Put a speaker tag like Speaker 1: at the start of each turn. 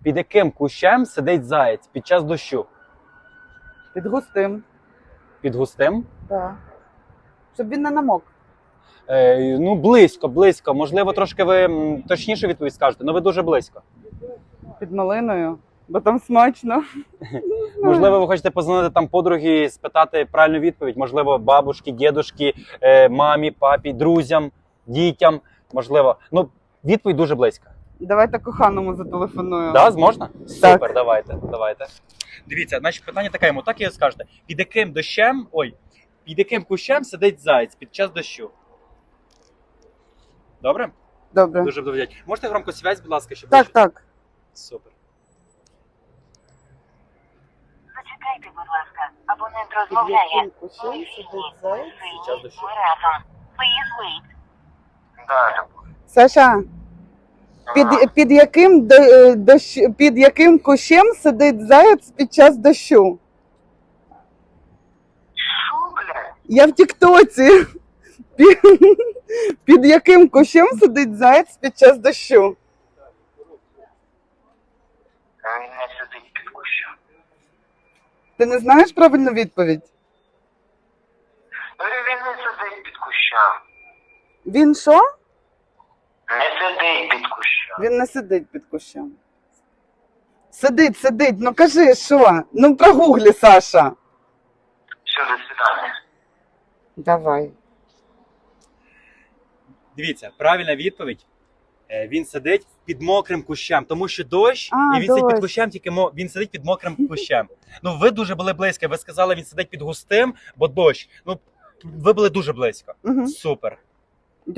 Speaker 1: Під яким кущем сидить заєць під час дощу?
Speaker 2: Під густим.
Speaker 1: Під густим?
Speaker 2: Так. Щоб він не намок.
Speaker 1: Ну, близько. Можливо, трошки ви точніше відповідь скажете, але ви дуже близько.
Speaker 2: Під малиною. Бо там смачно.
Speaker 1: Можливо, ви хочете позвонити там подругі, спитати правильну відповідь. Можливо, бабушки, дідушки, мамі, папі, друзям, дітям. Можливо. Ну, відповідь дуже близько.
Speaker 2: Давайте коханому зателефоную.
Speaker 1: Да, можна?
Speaker 2: Так.
Speaker 1: Супер, давайте. Дивіться, значить питання таке йому, так і скажете. Під яким кущем сидить заєць під час дощу? Добре?
Speaker 2: Добре.
Speaker 1: Дуже буду вдячний. Можете громкосвязь, будь ласка, щоб
Speaker 2: Так, так.
Speaker 1: Супер.
Speaker 3: Зачекайте, будь ласка. Абонент розмовляє.
Speaker 1: Під час дощу.
Speaker 3: Ми разом. Please wait. Да,
Speaker 2: Саша, під яким кущем сидить заяць під час дощу?
Speaker 3: Що, блядь?
Speaker 2: Я в Тіктоці. Під яким кущем сидить заяць під час дощу?
Speaker 3: Він не сидить під кущем.
Speaker 2: Ти не знаєш правильну відповідь?
Speaker 3: Він не сидить під кущем.
Speaker 2: Він що?
Speaker 3: Не сидить під кущем.
Speaker 2: Він не сидить під кущем. Сидить. Ну кажи, що? Ну прогуглі, Саша.
Speaker 3: Все, до свидання.
Speaker 2: Давай.
Speaker 1: Дивіться, правильна відповідь. Він сидить під мокрим кущем, тому що дощ,
Speaker 2: А,
Speaker 1: і він сидить під
Speaker 2: дощ.
Speaker 1: кущем, тільки він сидить під мокрим кущем. Ну, ви дуже були близько. Ви сказали, він сидить під густим, бо дощ. Ну, ви були дуже близько.
Speaker 2: Угу.
Speaker 1: Супер.